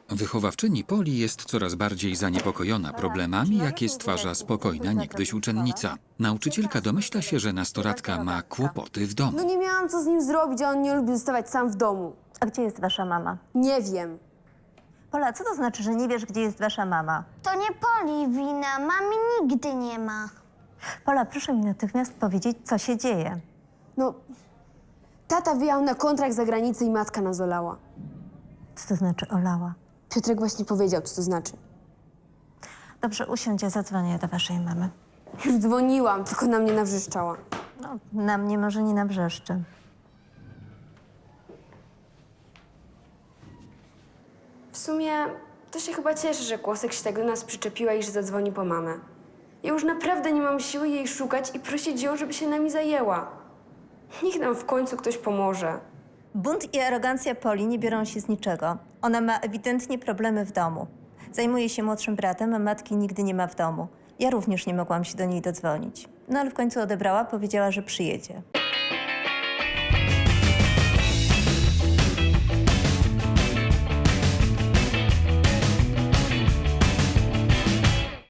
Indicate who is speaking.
Speaker 1: Wychowawczyni Poli jest coraz bardziej zaniepokojona problemami, jakie stwarza spokojna niegdyś uczennica. Nauczycielka domyśla się, że nastolatka ma kłopoty w domu.
Speaker 2: No nie miałam co z nim zrobić, a on nie lubi zostawać sam w domu.
Speaker 3: A gdzie jest wasza mama?
Speaker 2: Nie wiem.
Speaker 3: Pola, co to znaczy, że nie wiesz, gdzie jest wasza mama?
Speaker 4: To nie Poli wina, mamy nigdy nie ma.
Speaker 3: Pola, proszę mi natychmiast powiedzieć, co się dzieje.
Speaker 2: No, tata wyjechał na kontrakt za granicę i matka nas olała.
Speaker 3: Co to znaczy olała?
Speaker 2: Piotrek właśnie powiedział, co to znaczy.
Speaker 3: Dobrze, usiądź, ja zadzwonię do waszej mamy.
Speaker 2: Już dzwoniłam, tylko na mnie nawrzeszczała.
Speaker 3: No, na mnie może nie nawrzeszczy.
Speaker 2: W sumie to się chyba cieszę, że Kłosek się tak do nas przyczepiła i że zadzwoni po mamę. Ja już naprawdę nie mam siły jej szukać i prosić ją, żeby się nami zajęła. Niech nam w końcu ktoś pomoże.
Speaker 3: Bunt i arogancja Poli nie biorą się z niczego. Ona ma ewidentnie problemy w domu. Zajmuje się młodszym bratem, a matki nigdy nie ma w domu. Ja również nie mogłam się do niej dodzwonić. No ale w końcu odebrała, powiedziała, że przyjedzie.